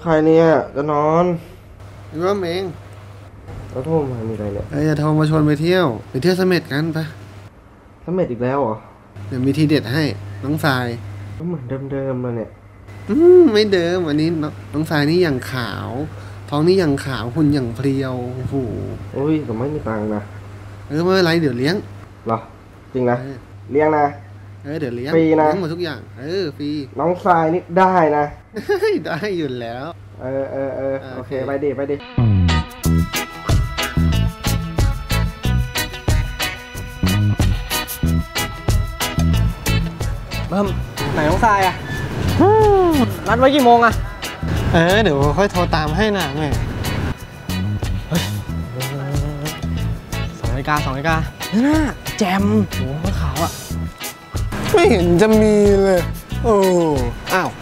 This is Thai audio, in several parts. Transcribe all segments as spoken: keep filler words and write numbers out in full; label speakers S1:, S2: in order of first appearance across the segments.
S1: ใครเนี่ยจะนอน
S2: หรือว่าเอง
S1: เราโทรมามีอะไรเนี่ย
S2: เอ้ยจะโทรมาชวนไปเที่ยวไปเที่ยวเสม็ดกันปะ
S1: เสม็ดอีกแล้วเหรอ
S2: เดี๋ยวมีทีเด็ดให้น้องทราย
S1: ก็เหมือนเดิมๆเลยเนี่ย
S2: อืมไม่เดิมอันนี้น้องทรายนี่อย่างขาวท้องนี่อย่างขาวหุ่นอย่างเพรียวโอ้โห
S1: โอ้ยแต่ไม่มีตังค์นะ
S2: เออไม่เป็นไรเดี๋ยวเลี้ยง
S1: หรอจริงนะเลี้ยงนะ
S2: เออเดี๋ยวเลี้ยง
S1: ฟรีนะ
S2: เลี้ยงหมดทุกอย่างเออฟรี
S1: น้องทรายนี่ได้นะ
S2: ได้อยู่แล้ว
S1: เออเออเออโอเคไปดิไปดิ
S3: เบิ้มไหนน้องทรายอ่ะนัดไว้กี่โมงอ่ะ
S2: เออเดี๋ยวค่อยโทรตามให้นะแม่
S3: สองนาฬิกาสองนาฬิกาน่าแจมโอ้โหขาวอ่ะ
S2: ไม่เห็นจะมีเลยโอ้อ้าว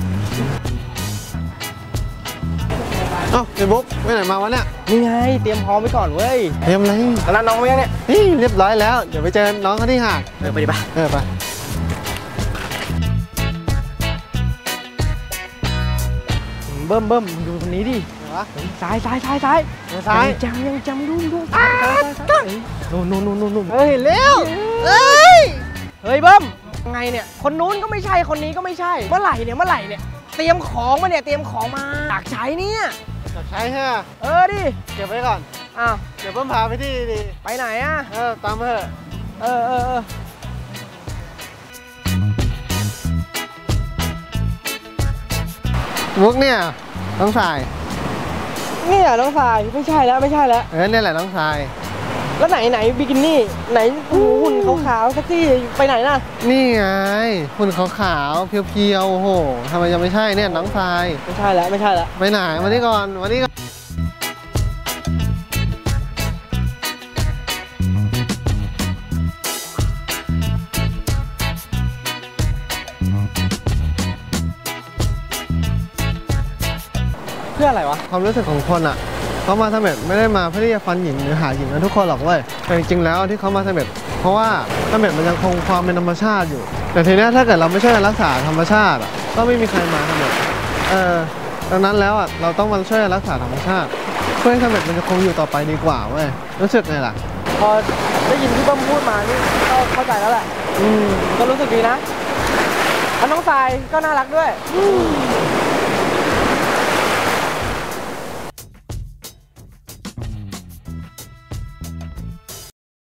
S2: เอ้าไอ้บุ๊กไปไหนมาวะเนี่ย
S3: นี่ไงเตรียมพร้อมไว้ก่อนเว้ย
S2: เตรียมอะไร
S3: นัดน้องไว้ยังเนี่ย
S2: นี่เรียบร้อยแล้วเดี๋ยวไปเจอน้องเขาที่หาด
S3: เออไปดิปะ
S2: เออไป
S3: เบิ้มเบิ้มดูคนนี้ดิซ้ายซ้ายซ้ายซ้าย
S2: ซ้าย
S3: จำยังจำดูดูซ้ายซ้ายซ้ายนู่นนู่นนู่นนู่น
S2: เฮ้ยเร็วเฮ้ย
S3: เฮ้ยเบิ้มไงเนี่ยคนนู้นก็ไม่ใช่คนนี้ก็ไม่ใช่เมื่อไหร่เนี่ยเมื่อไหร่เนี่ยเตรียมของมาเนี่ยเตรียมของมาอยากใช้เนี่ย
S2: อยากใช้ใช่ไหม
S3: เออดิ
S2: เก็บไว้ก่อน
S3: อ้าว
S2: เดี๋ยวเพิ่มพาไปที่ดี
S3: ไปไหนอ่ะ
S2: เออตามมาเถอะ
S3: เออเออเออ
S2: มุกเนี่ยน้องทราย
S3: นี่อ่ะน้องทรายไม่ใช่แล้วไม่ใช่แล้ว
S2: เออเนี่ยแหละน้องทราย
S3: แล้วไหนไหนบิกินี่ไหนหุ่นขาวๆสักที่ไปไหนน่ะ
S2: นี่ไงหุ่นขาวๆเพียวๆโอ้โหทำไมยังไม่ใช่เนี่ยน้องทราย
S3: ไม่ใช่แล้วไม่ใช่แล้ว
S2: ไปไหนมานี่ก่อนมานี่ก่อน
S3: เพื่ออะไรวะ
S2: ความรู้สึกของคนอ่ะเขามาเสม็ดไม่ได้มาเพื่อที่จะฟันหญิงหรือหาหญิงนะทุกคนหรอกเว้ยแต่จริงๆแล้วที่เขามาเสม็ดเพราะว่าเสม็ดมันยังคงความเป็นธรรมชาติอยู่แต่ทีนี้ถ้าเกิดเราไม่ช่วยรักษาธรรมชาติอ่ะก็ไม่มีใครมาเสม็ดเออดังนั้นแล้วอ่ะเราต้องมาช่วยรักษาธรรมชาติเพื่อให้เสม็ดมันจะคงอยู่ต่อไปดีกว่าเว้ยรู้สึกไงล่ะ
S3: พอได้ยินที่เบิ้มพูดมานี่ก็เข้าใจแล้วแหละอืมก็รู้สึกดีนะน้องทรายก็น่ารักด้วย